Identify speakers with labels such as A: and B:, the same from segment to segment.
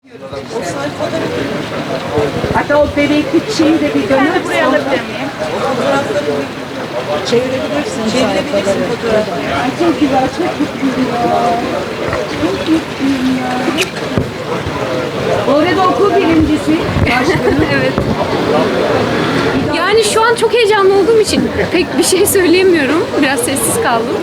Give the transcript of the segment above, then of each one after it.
A: Hatta o bebeklik şeyi de bir dönem.
B: Buraya alabilir miyim?
A: Çevirebilirsin.
B: Çevirebilirsin fotoğrafları.
A: Ay çok güzel, çok mutluyum ya. Çok mutluyum ya. Bu arada okul birincisi. Başkanım.
C: Evet. Yani şu an çok heyecanlı olduğum için pek bir şey söyleyemiyorum. Biraz sessiz kaldım.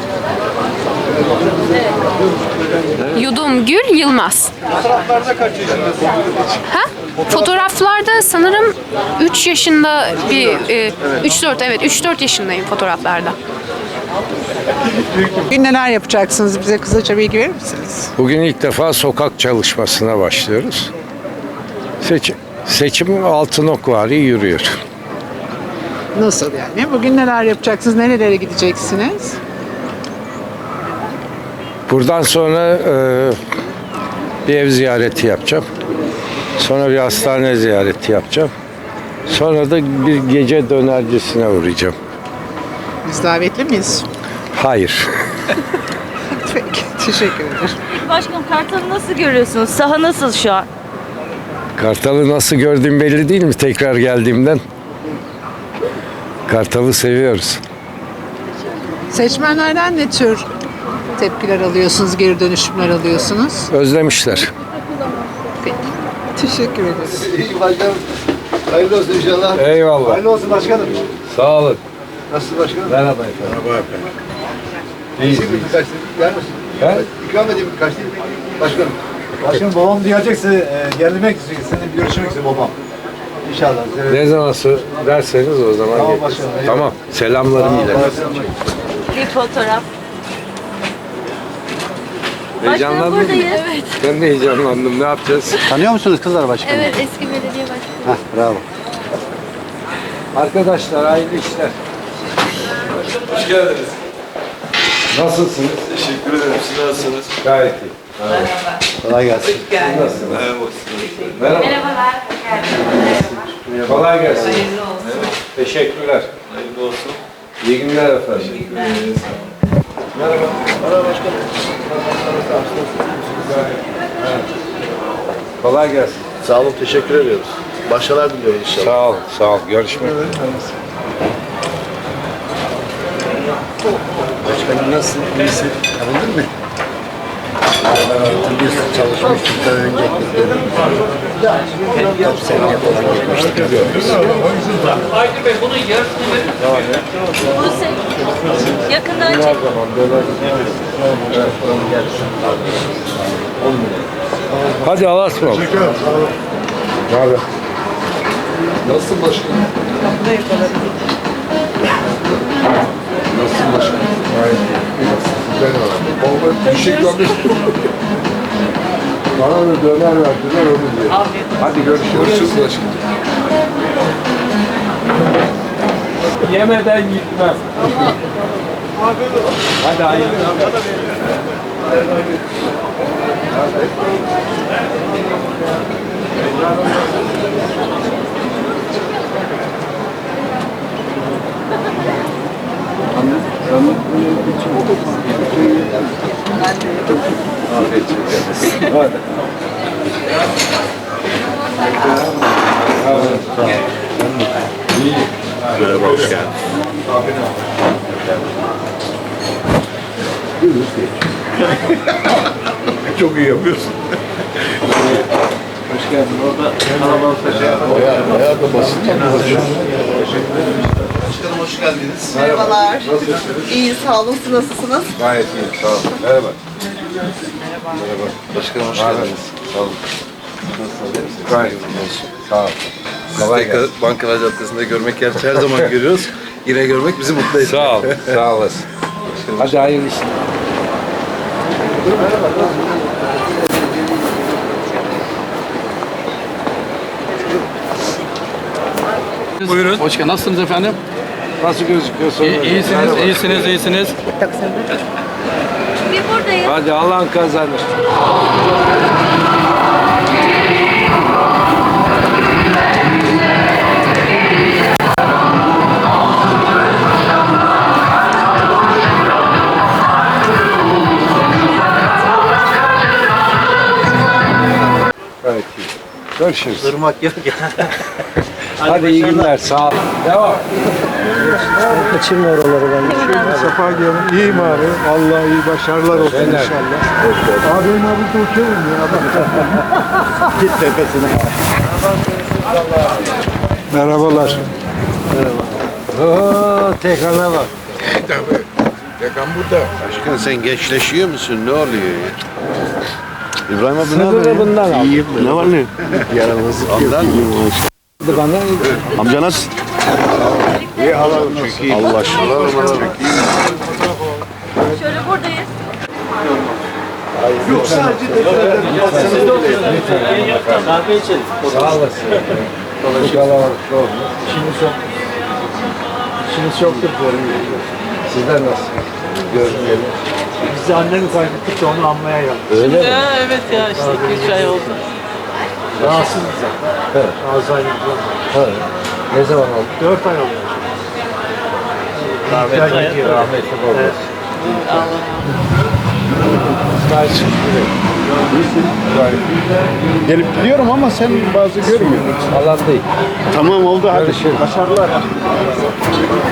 C: Yudum Gül Yılmaz.
D: Fotoğraflarda kaç yaşındasın?
C: Ha? Fotoğraflarda sanırım 3 yaşında bir 3-4 evet 3-4 yaşındayım fotoğraflarda.
E: Bugün neler yapacaksınız? Bize kısaca bilgi verir misiniz?
F: Bugün ilk defa sokak çalışmasına başlıyoruz. Seçim Altınokvari yürüyor.
E: Nasıl yani? Bugün neler yapacaksınız? Nerelere gideceksiniz?
F: Buradan sonra bir ev ziyareti yapacağım. Sonra bir hastane ziyareti yapacağım. Sonra da bir gece dönercisine uğrayacağım.
E: Biz davetli miyiz?
F: Hayır.
E: Peki, teşekkür ederim.
B: Başkanım Kartal'ı nasıl görüyorsunuz? Saha nasıl şu an?
F: Kartal'ı nasıl gördüğüm belli değil mi tekrar geldiğimden? Kartal'ı seviyoruz.
E: Seçmenlerden ne tür tepkiler alıyorsunuz, geri dönüşümler alıyorsunuz?
F: Özlemişler.
E: Peki, teşekkür ederiz.
D: İyi başkanım. Hayırlı olsun inşallah.
F: Eyvallah.
D: Hayırlı olsun başkanım.
F: Sağ olun.
D: Nasılsın başkanım?
F: Merhaba efendim.
D: Merhaba efendim. İyi. Birkaç yer misin?
F: He?
D: İkram edeyim birkaç değil. Başkanım. Başkanım babam gelecekse gelmek istiyor. Seninle bir görüşmek istiyor babam. İnşallah.
F: Ne zaman derseniz o zaman
D: Tamam
F: geliriz.
D: başkanım, eyvallah.
F: Tamam. Selamlarımı iletin.
B: Bir fotoğraf.
F: Heyecanlandın mı?
B: buradayız. Evet.
F: Ben de heyecanlandım. Ne yapacağız?
D: Tanıyor musunuz kızlar başkanım?
C: Evet, eski belediye başkanı.
D: Bravo.
F: Arkadaşlar hayırlı işler.
G: Hoş geldiniz.
F: Nasılsınız?
G: Teşekkür ederim. Siz nasılsınız?
F: Gayet iyi.
D: Kolay gelsin.
F: Nasılsınız?
G: Merhaba.
F: Merhaba.
B: Merhabalar.
F: Kolay gelsin. Teşekkürler.
G: Hayırlı olsun.
F: İyi günler efendim. Merhaba.
D: Merhaba başkanım.
F: Kolay gelsin.
D: Sağ olun, teşekkür ediyoruz. Başarılar diliyoruz inşallah.
F: Sağ ol, sağ ol. Görüşmek üzere.
H: Başkanım nasılsın? İyisin? Tanıdın mı? Hatırlıyorsun çalışmıştık daha önce. Top seneye falan gelmiştik.
I: Aydın Bey bunun yarısını verir
B: Bu yakından çek.
F: Hadi Allah'a ısmarladık. Ne haber?
G: Nasılsın başkanım? Nasılsın başkanım?
F: Gayet iyi. Güzel var.
G: Vallahi teşekkür ederim.
F: Bana da döner verdiler onu diyor. Hadi görüşürüz.
G: Görüşürüz başkanım.
I: Yemeden gitmez. Hadi hayırlı.
G: Merhaba, hoş geldin.
D: Çok iyi yapıyorsun.
G: Hoş geldin. Orada kalabalık taşıyor.
D: Bayağı da basit yapıyorsun. Başkanım hoş geldiniz.
J: Merhabalar. İyi, sağ olun. Siz nasılsınız?
F: Gayet iyi. Sağ ol. Merhaba.
D: Merhaba. Başkanım hoş geldiniz. Sağ olun.
F: Gayet iyi. Sağ ol. Kolay gelsin.
D: Bankalar Caddesi'nde görmek gerçi her zaman görüyoruz. Yine görmek bizi mutlu ediyor.
F: Sağ ol. Sağ olasın. Hadi hayırlı işler.
I: Buyurun.
H: Hoş geldin. Nasılsınız efendim?
F: Nasıl gözüküyorsun?
I: İyisiniz, iyisiniz, iyisiniz.
B: Bir buradayız.
F: Hadi Allah'ın kazanır. Gayet iyi. Görüşürüz.
H: Irmak yok ya.
F: Hadi iyi günler. Sağ ol. Devam.
H: Kaçırma oraları ben.
D: Safa gelin. İyiyim abi. Vallahi iyi başarılar olsun inşallah. Abi benim abi de uçuyorum ya.
H: Git tepesine.
D: Merhabalar.
F: Oo, tekrarına bak.
H: Başkan sen gençleşiyor musun? Ne oluyor ya? İbrahim abi ne
F: Sınırı bundan al.
H: İyiyim. Ne var ne? Yaramazlık Ondan mı?
F: Bana
H: Amca nasıl? İyi hala çok iyi. Allah aşkına.
B: Şöyle buradayız.
D: Yok sadece
I: Kahve içelim.
F: sağ olasın. Bu kalabalıkta oldu.
D: İşiniz çoktur diyorum.
F: Sizler nasıl? Görmeyelim.
D: Biz de annemi kaybettik de onu anmaya geldik.
F: Öyle mi?
I: Evet ya işte 2-3 ay oldu.
D: Rahatsızız zaten.
F: Evet.
D: Alzheimer'dan.
F: Ha. Ne zaman oldu?
D: 4 ay oldu.
F: Rahmetli babası.
H: Gelip gidiyorum ama sen bazı görmüyorsun.
F: Alan değil.
H: Tamam oldu hadi.
F: Görüşürüz.
H: Başarılar.